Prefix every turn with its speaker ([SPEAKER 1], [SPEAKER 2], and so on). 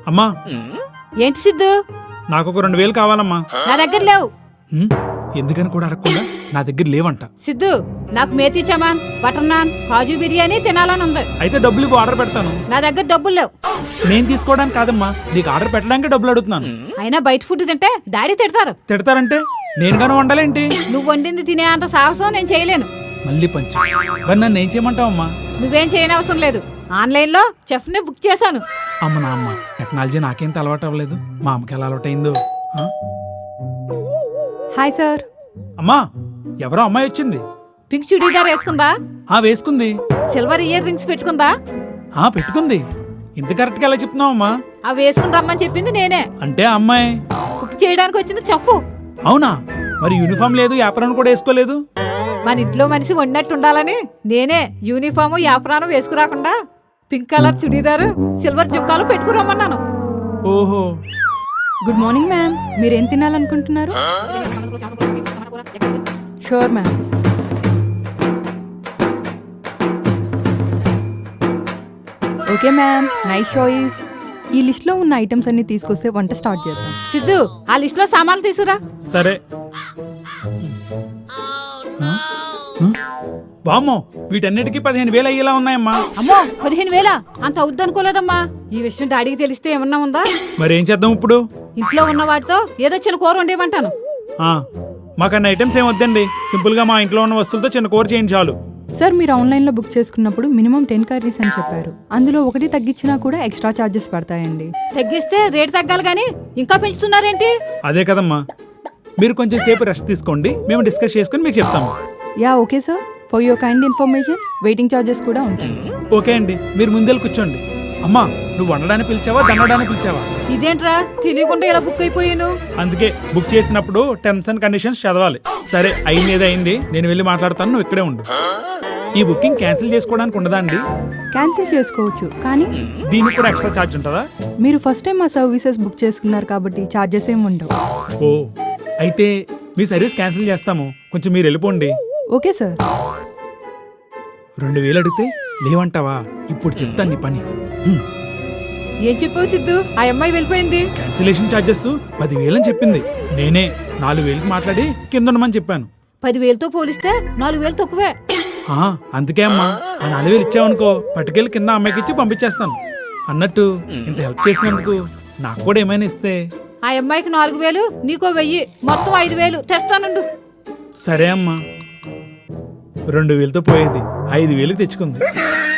[SPEAKER 1] అమ్మా
[SPEAKER 2] ఏంటి సిద్ధు?
[SPEAKER 1] నాకు ఒక 2000 కావాలమ్మా.
[SPEAKER 2] నా దగ్గర లేవు.
[SPEAKER 1] ఎందుకని కూడా అడగకుండా నా దగ్గర లేవంట.
[SPEAKER 2] సిద్ధు, నాకు మేతి చమాన్, బటర్ నాన్, కాజు బిర్యానీ తినాలని ఉంది.
[SPEAKER 1] అయితే డబ్బులు ఇవ్వు, ఆర్డర్ పెడతాను.
[SPEAKER 2] నా దగ్గర డబ్బులు లేవు.
[SPEAKER 1] నేను తీసుకోవడానికి కాదమ్మా, నీకు ఆర్డర్ పెట్టడానికి డబ్బులు అడుగుతున్నాను.
[SPEAKER 2] అయినా బయట ఫుడ్ తింటే డాడీ తిడతారు.
[SPEAKER 1] తిడతారంటే నేను గాను వండాలేంటి?
[SPEAKER 2] నువ్వు వండింది తినే అంత సాహసం నేను చేయలేను.
[SPEAKER 1] మళ్ళీ పంచి మరి నన్ను ఏం చేయమంటావమ్మా?
[SPEAKER 2] నువ్వేం చేయనవసరం లేదు. ఆన్లైన్ లో చెఫ్ ని బుక్ చేశాను.
[SPEAKER 1] అమ్మ నా అమ్మ, టెక్నాలజీ నాకేంత అలవాటు అవ్వలేదు. మా అమ్మకి ఎలా అలవాటైందో.
[SPEAKER 2] Hi sir.
[SPEAKER 1] అమ్మా, ఎవరో అమ్మాయి వచ్చింది.
[SPEAKER 2] పింక్ చుడీదార్ వేసుకుందా?
[SPEAKER 1] వేసుకుంది.
[SPEAKER 2] సిల్వర్ ఇయర్ రింగ్స్ పెట్టుకుందా?
[SPEAKER 1] పెట్టుకుంది. ఇంత కరెక్ట్ గా ఎలా చెప్తున్నావమ్మా?
[SPEAKER 2] అవి వేసుకుని రమ్మని చెప్పింది నేనే.
[SPEAKER 1] అంటే అమ్మాయి
[SPEAKER 2] కుక్ చేయడానికి వచ్చింది చెఫ్.
[SPEAKER 1] అవునా? మరి యూనిఫామ్ లేదు, యాప్రాన్ కూడా వేసుకోలేదు.
[SPEAKER 2] మన ఇంట్లో మనిషి వండినట్టు ఉండాలని నేనే యూనిఫాము యాప్రాను వేసుకురాకుండా పింక్ కలర్ చుడీదారు సిల్వర్ జుక్కాలు పెట్టుకురమ్మన్నాను.
[SPEAKER 1] ఓహో.
[SPEAKER 3] Good morning ma'am. మీరేం తినాలనుకుంటున్నారు? Sure ma'am. Okay ma'am, nice choice. ఈ లిస్ట్ లో ఉన్న ఐటమ్స్ అన్ని తీసుకొస్తే వంట స్టార్ట్ చేద్దాం.
[SPEAKER 2] సిద్ధు, ఆ లిస్ట్ లో సామాన్లు తీసుకురా.
[SPEAKER 1] సరే. వామ్మో, వీటన్నిటికీ 15,000 అయ్యేలా ఉన్నాయమ్మా.
[SPEAKER 2] అమ్మో, 15,000 అంత అవుద్దనుకోలేదమ్మా. ఈ విషయం డాడీకి తెలిస్తే ఏమన్నా ఉందా?
[SPEAKER 1] మరేం చేద్దాం ఇప్పుడు?
[SPEAKER 2] ఇంట్లో ఉన్న వాటితో ఏదో చిన్న కూర వండేయమంటాను.
[SPEAKER 1] మాకన్న ఐటమ్స్ ఏం వద్దండి. సింపుల్ గా మా ఇంట్లో ఉన్న వస్తువులతో చిన్న కూర చేయండి చాలు.
[SPEAKER 3] సార్, మీరు ఆన్లైన్ లో బుక్ చేసుకున్నప్పుడు మినిమం 10 కర్రీస్ అని చెప్పారు. అందులో ఒకటి తగ్గించినా కూడా ఎక్స్ట్రా చార్జెస్ పడతాయండి.
[SPEAKER 2] తగ్గిస్తే రేట్ తగ్గాలి గానీ ఇంకా పెంచుతున్నారేంటి?
[SPEAKER 1] అదే కదమ్మా, మీరు కొంచెం సేపు రెస్ట్ తీసుకోండి, మేము డిస్కస్ చేసుకుని మీకు చెప్తాము.
[SPEAKER 3] Yeah okay sir. For your kind information, waiting charges కూడా ఉంటాయి.
[SPEAKER 1] ఓకే అండి, మీరు ముందెళ్ళి కూర్చోండి. అమ్మా, నువ్వు వండడానికి పిలిచావా, దండడానికి పిలిచావా?
[SPEAKER 2] ఇదేంట్రా తెలియకుండా ఇలా బుక్ అయిపోయాను?
[SPEAKER 1] అందుకే బుక్ చేసినప్పుడు టర్మ్స్ అండ్ కండిషన్స్ చదవాలి. సరే, అయింది ఏదో అయింది, నేను వెళ్ళి మాట్లాడతాను, నువ్వు ఇక్కడే ఉండు. ఈ బుకింగ్ క్యాన్సిల్ చేసుకోవడానికి ఉండదా అండి?
[SPEAKER 3] క్యాన్సిల్ చేసుకోవచ్చు, కానీ
[SPEAKER 1] దీనికి కూడా ఎక్స్ట్రా ఛార్జ్ ఉంటుందా?
[SPEAKER 3] మీరు ఫస్ట్ టైం మా సర్వీసెస్ బుక్ చేసుకున్నారు కాబట్టి ఛార్జెస్ ఏమి ఉండవు.
[SPEAKER 1] ఓ, అయితే మీ సర్వీస్ క్యాన్సిల్ చేస్తాము, కొంచెం మీరు వెళ్ళిపోండి.
[SPEAKER 3] Okay sir.
[SPEAKER 1] 2,000 అడిగితే లేవంటావా? ఇప్పుడు చెప్తాను నీ పని.
[SPEAKER 2] ఏం చెప్పావు సిద్ధు? ఆ అమ్మాయి వెళ్ళిపోయింది.
[SPEAKER 1] క్యాన్సిలేషన్ ఛార్జెస్ 10,000 అని చెప్పింది. నేనే 4,000కి మాట్లాడి కింద ఉండమని చెప్పాను.
[SPEAKER 2] 10,000తో పోలిస్తే 4,000 తక్కువే.
[SPEAKER 1] అందుకే అమ్మా, ఆ 4,000 ఇచ్చావనుకో, పట్టుకెళ్ళి కింద అమ్మాయికి ఇచ్చి పంపించేస్తాను. అన్నట్టు ఇంత హెల్ప్ చేసినందుకు నాకు కూడా ఏమైనా ఇస్తే.
[SPEAKER 2] ఆ అమ్మాయికి 4,000, నీకో 1,000, మొత్తం 5,000 తెస్తానుండు.
[SPEAKER 1] సరే అమ్మా. 2,000తో పోయేది 5,000కి తెచ్చుకుంది.